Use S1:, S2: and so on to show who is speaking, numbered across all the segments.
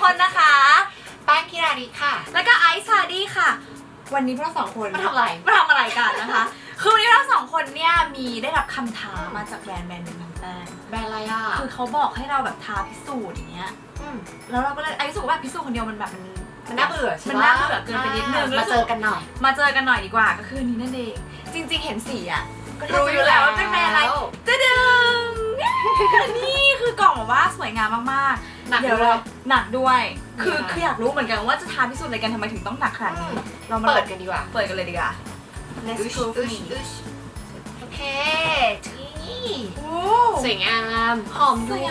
S1: คนนะคะ
S2: แป้งคิราดีค่ะ
S1: แล้วก็ไอซ์ชาดี้ค่ะวันนี้พวกเราสองคน
S2: มาทำอะไร
S1: กันนะคะคือวันนี้เราสองคนเนี่ยมีได้รับคำท้ามาจากแบรนด์หนึ่งของแป้ง
S2: แบรนด์อะไรอ่ะ
S1: คือเขาบอกให้เราแบบท้าพิสูจน์อย่างเงี้ยแล้วเราก็เลยไอซ์รู้สึกว่าพิสูจน์คนเดียวมันแบบ
S2: มันน่าเบื่อใช่ไหม
S1: มันน่าเบื่อเกินไปนิดนึง
S2: มาเจอกันหน่
S1: อยดีกว่าก็คือนี้นั่นเองจริงๆเห็นสีอ่ะก็
S2: รู้อยู่แล้ว
S1: ว่าเป็นแบรนด์อะไรจะดึงนี่คือกล่องแบบว่าสวยงามมากๆ
S2: หนักด้วย
S1: คืออยากรู้เหมือนกันว่าจะท้าพิสูจน์อะไรกันทำไมถึงต้องหนักขนาดนี้
S2: เรามาเปิดกันดีกว่า
S1: เปิดกันเลยดีกว่า Let's prove me
S2: โอเคนี่
S1: โอ้
S2: สวยงามหอมด้วย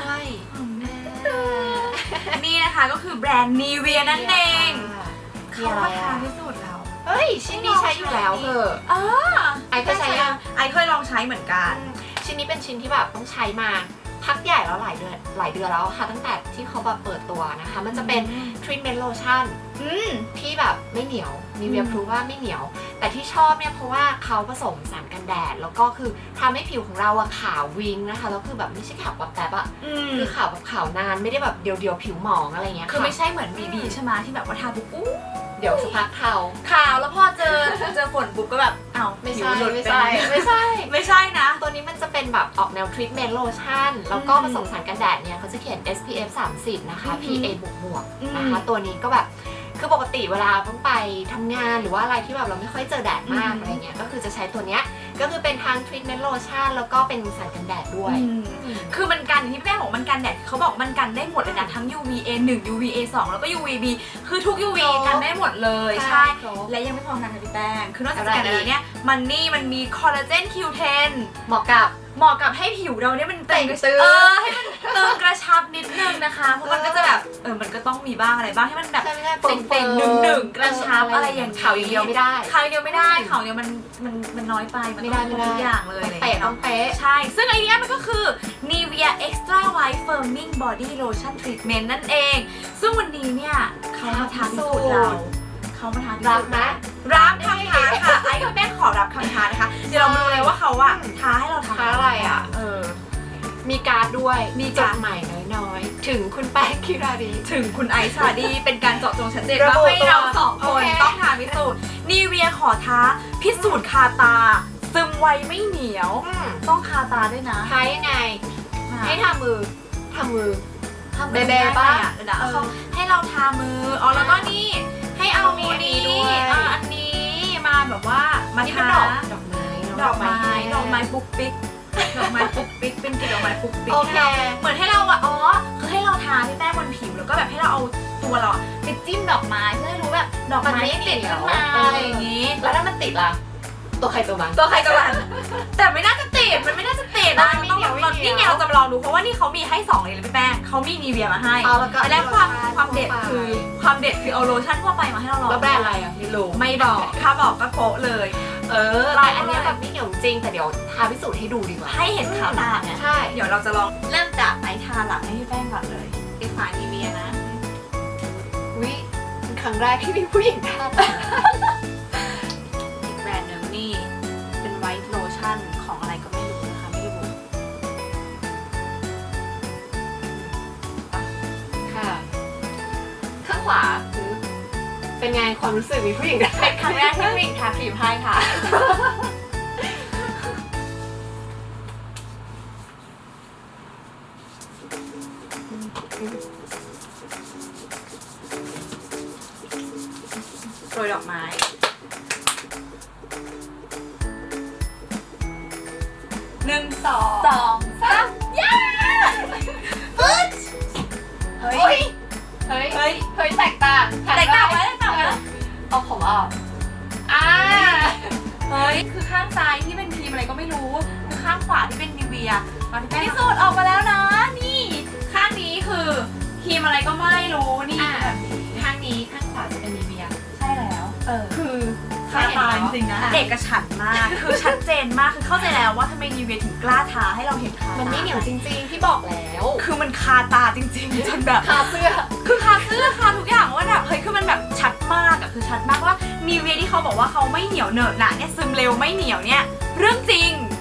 S1: นี่นะคะก็คือแบรนด์นีเวียนั่นเองเขามาท้าพิสูจน์เรา
S2: เฮ้ยชิ้นนี้ใช้อยู่แล้วเถอะไอเคยใช้ยัง
S1: ไอเคยลองใช้เหมือนกัน
S2: ชิ้นนี้เป็นชิ้นที่แบบต้องใช้มาพักใหญ่แล้วหลายเดือนแล้วค่ะตั้งแต่ที่เขาแบบเปิดตัวนะคะมันจะเป็น treatment lotion ที่แบบไม่เหนียวมีเวียพรูว่าไม่เหนียวแต่ที่ชอบเนี่ยเพราะว่าเขาผสมสารกันแดดแล้วก็คือทำให้ผิวของเราอะขาววิงนะคะแล้วคือแบบไม่ใช่ขาวแบบแบบอะคือขาวแบบขาวนานไม่ได้แบบเดียวผิวหมองอะไรเงี้ย
S1: คือไม่ใช่เหมือนบีใช่ไหมที่แบบว่าทาปุ๊บ
S2: เดี๋ยวสักพักข
S1: าวแล้วพอเจอฝนปุ๊บก็แบบอ้าว
S2: ไม่ใช่นะตัวนี้มันจะเป็นแบบออกแนว treatment lotion แล้วก็ผสมสารกันแดดเนี่ยเขาจะเขียน SPF 30 นะคะ PA บวกนะคะตัวนี้ก็แบบคือปกติเวลาต้องไปทำงานหรือว่าอะไรที่แบบเราไม่ค่อยเจอแดดมากอะไรเงี้ยก็คือจะใช้ตัวเนี้ยก็คือเป็นทั้ง treatment lotion แล้วก็เป็นสารกันแดดด้วย
S1: คือมันกันที่แม่บอกมันกันแดดเขาบอกมันกันได้หมดเลยนะทั้ง UVA 1 UVA 2 แล้วก็ UVB คือทุก UV กันได้หมดเลยใช่และยังไม่พอนะพี่แป้งคือนอกจากกันแล้วเนี่ยมันมีคอลลาเจน Q10
S2: เหมาะกับ
S1: ให้ผิวเราเนี่ยมันตึงให้มันตึงกระชับนิดนึงนะคะเพราะมันก็จะแบบมันก็ต้องมีบ้างอะไรบ้างให้มันแบบเป็นหนึ่งกระชับอะไรอย่าง
S2: ขาวอย่างเดียวไม่ได้
S1: ขาวเดียวมันน้อยไปมันไม่ได้ทุกอย่างเลย
S2: ต้องเป๊ะ
S1: ใช่ซึ่งไอเนี้ยมันก็คือ Nivea Extra White Firming Body Lotion Treatment นั่นเองซึ่งวันนี้เนี่ยเขามาท้าพิสูจน์เรา
S2: รับไหม
S1: รับคำท้าค่ะไอ้กับแป้งขอรับคำท้านะคะเดี๋ยวเรามาดูเลยว่าเขาอะท้าให้เรา
S2: ท้าอะไรอะมีการ์ดด้วยมีจดหมายน้อยๆถึงคุณแป้งคิราดี
S1: ถึงคุณไอซ์ชาดี้เป็นการเจาะจงชัดเจนว่าให้เราสองคนต้องท้าพิสูจน์นีเวียขอท้าพิสูจน์คาตาซึมไวไม่เหนียวต้องคาตาด้วยนะ
S2: ท้ายังไงให้ทามือ
S1: เบๆป่ะให้เราทามือแล้วก็นี่ให้เอาอันนี้มาแบบว่ามาทาดอกไม้ปุ๊กปิ๊กเป็นกลิ่นดอกไม้ปุ๊กปิ๊กเหมือนให้เราคือให้เราทาที่แป้งบนผิวแล้วก็แบบให้เราเอาตัวเราไปจิ้มดอกไม้เพื่อให้รู้แบบดอกไม้ติดขึ้นมาอะไรอย่างนี้
S2: แล้วถ้ามันติดล่ะตัวใครตัวมัน
S1: แต่ไม่น่าจะติดมันไม่น่าจะติดนะนี่ไงเราจะมาลองดูเพราะว่านี่เขามีให้2เลยพี่แป้งเขามีนีเวียมาให้และความเด็ดคือเอาโลชั่นทั่วไปมาให้เราลอง
S2: แล้วแบรนด์อะไรอ่ะ
S1: ไม่บอกถ้าบอกก็โป๊ะเลย
S2: ลายอันนี้แบบไม่เหนียวจริงแต่เดี๋ยวทาพิสูจน์ให้ดูดีกว่า
S1: ให้เห็นขาวตาไง
S2: ใช่
S1: เดี๋ยวเราจะลองเริ่มจากไอทาหลังให้พี่แป้งก่อนเลยไอฝานีเวียนะ
S2: เป็นครั้งแรกที่มีผู้หญิงทา
S1: อีกแบรนด์นึงนี่เป็นไวท์โลชั่นของอะไรก็ไม่รู้นะคะไม่รู้
S2: ค่ะข้างขวาคือเป็นไงความรู้สึกมีผู้หญิง
S1: เป็นครั้งแรกที่ผู้หญิงทาครีมให้ค่ะโรยดอกไม้1 2 3ย้ปึ๊ด
S2: เฮ้ยแตกต่าง
S1: ไว้
S2: เอาผมออก
S1: เฮ้ยคือข้างซ้ายที่เป็นครีมอะไรก็ไม่รู้คือข้างขวาที่เป็นนิเวียพิสูจน์ออกมาแล้วนะนี่ข้างนี้คือครีมอะไรก็ไม่รู้นี่แบบนี้
S2: ข้างขวาจะเป็นนิเวีย
S1: ใช่แล้วคือคาตาจริงนะเอกฉันท์มากคือชัดเจนมากคือเข้าใจแล้วว่าทำไมนิเวียถึงกล้าทาให้เราเห็นคาตา
S2: มันไม่เหนียวจริงๆที่บอกแล้ว
S1: คือมันคาตาจริงๆจนแบบ
S2: คาเสื้อ
S1: คาทุกอย่างว่าแบบเฮ้ยคือมันแบบชัดมากคือชัดมากว่านิเวียที่เขาบอกว่าเขาไม่เหนียวเหนอะหนะเนี่ยซึมเร็วไม่เหนียวเนี่ยเรื่องจริง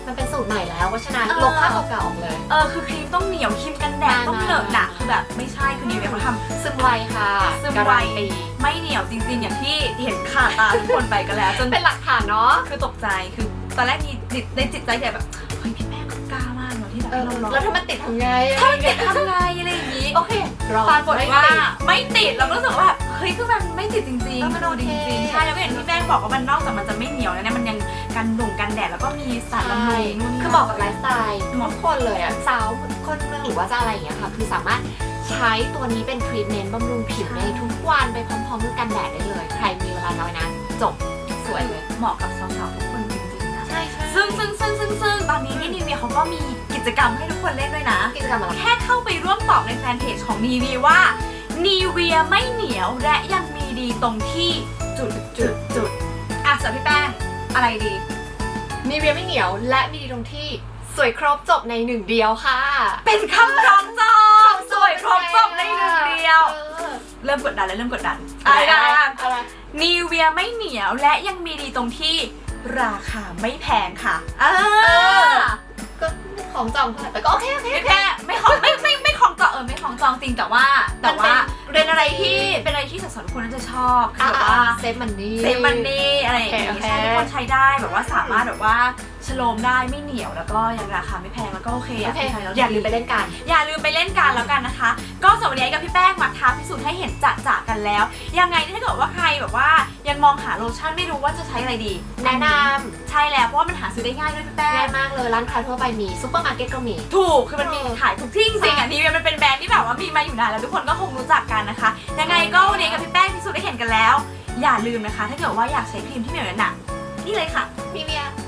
S2: มันเป็นสูตรใหม่แล้วเพราะฉะนั้นลบภาพเก่าๆออกเลย
S1: คือครีมต้องเหนียวครีมกันแดดต้องเหนอะหนะคือแบบไม่ใช่คือนิเวียเขาทำ
S2: ซึมไวค่ะ
S1: ซึม
S2: การั
S1: ไว
S2: นตี
S1: ไม่เหนียวจริงๆอย่างที่เห็นขาตาทุกคนไปกันแล้วจน
S2: เป็นหลักฐานเนาะ
S1: คือตกใจคือตอนแรกมีในจิตใจใหญ่แบบเฮ้ยพี่แป้งเขากล้ามากเนาะที่แบบให้เราลอง
S2: แล้วถ้ามันติดทำไง
S1: ถ้ามันติดทำไงอะไรอย่างนี้
S2: โอเครอ
S1: ปรากฏว่า
S2: ไม่ติด
S1: ไม่ติดเราก็รู้สึกว่าแบบเฮ้ยคือมันไม่ติดจริง
S2: เออ
S1: ๆ
S2: มันโอเค
S1: จริงๆใช่แล้วก็อย่างที่แป้งบอกว่ามันนอกจากมันจะไม่เหนียวแล้วเนี่ยมันยังกันหนุ่มกันแดดแล้วก็มีสารบำรุงนู่นนี่
S2: คือเหมาะกับไลฟ์สไตล์
S1: เหมาะ
S2: ทุกคนเลยอ่ะสาวคนเมืองหรือว่าจะอะไรอย่างเงี้ยค่ะคือสามารถใช้ตัวนี้เป็นทรีทเมนต์บำรุงผิวในทุกวันไปพร้อมๆกับกันแดดได้เลย ใครมีเวลาน้อยนะจบสวยเลย
S1: เหมาะกับสาวๆทุกคนจริงๆนะ
S2: ใช่ใช่
S1: ซึ่งตอนนี้นี่นิเวียเขาก็มีกิจกรรมให้ทุกคนเล่นด้วยนะ
S2: กิจกรรมอะไร
S1: แค่เข้าไปร่วมตอบในแฟนเพจของนีเวียว่านีเวียไม่เหนียวและยังมีดีตรงที่จุดอ่ะสำหรับพี่แป้งอะไรดี
S2: มีเวียไม่เหนียวและมีดีตรงที่สวยครบจบในหนึ่งเดียวค่ะ
S1: เป็นคำคล้องจองสวยครบจบในหนึ่งเดียว เริ่มกดดันแล้วเริ่มกดดัน
S2: อะไร
S1: นีเวียไม่เหนียวและยังมีดีตรงที่ราคาไม่แพงค่ะ
S2: ก็ของจองเท่าไหร่แต่ก็โอเค
S1: ไม่แพงไม่ของไม่ของจองไม่ของจองจริงแต่ว่าเป็นอะไรที่สาวๆทุกคนน่าจะชอบคือแบบว่า
S2: เซฟมันนี่
S1: เซฟมันนี่อะไรอย่าง
S2: โอ
S1: งี้
S2: เค
S1: ใช่ทุกคนใช้ได้แบบว่าสามารถแบบว่าชโลมได้ไม่เหนียวแล้วก็ยังราคาไม่แพงแล้วก็โอเค
S2: โอเค
S1: ใช้แล้ว
S2: อย่าลืมไปเล่นกัน
S1: อย่าลืมไปเล่นกันแล้วกันนะคะ ก็สำหรับวันนี้กับพี่แป้งมาท้าพิสูจน์ให้เห็นจะกันแล้ว ยังไงถ้าเกิดว่าใครแบบว่ายังมองหาโลชั่นไม่รู้ว่าจะใช้อะไรดี
S2: แนะน
S1: ใช่แล้วเพราะว่ามันหาซื้อได้ง่ายด้วยพี่
S2: ำ
S1: แป้
S2: ง่าง ยมากเลยร้านค้าทั่วไปมีซุปเปอร์มาร์เก็ตก็มี
S1: ถูกคือมันมีขายทุกที่จริงๆอ่ะนี่มันเป็นแบรนด์ที่แบบว่ามีมาอยู่นานแล้วทุกคนก็คงรู้จักกันนะคะยังไงก็วันนี้กับพี่แป้งพิสูจน์ได้เห็นกันแล้ว อย่าลืมนะคะ ถ้าเกิดว่าอยากใช้ครีมที่เหนียวหนักนี่เลยค่ะ
S2: มีเวีย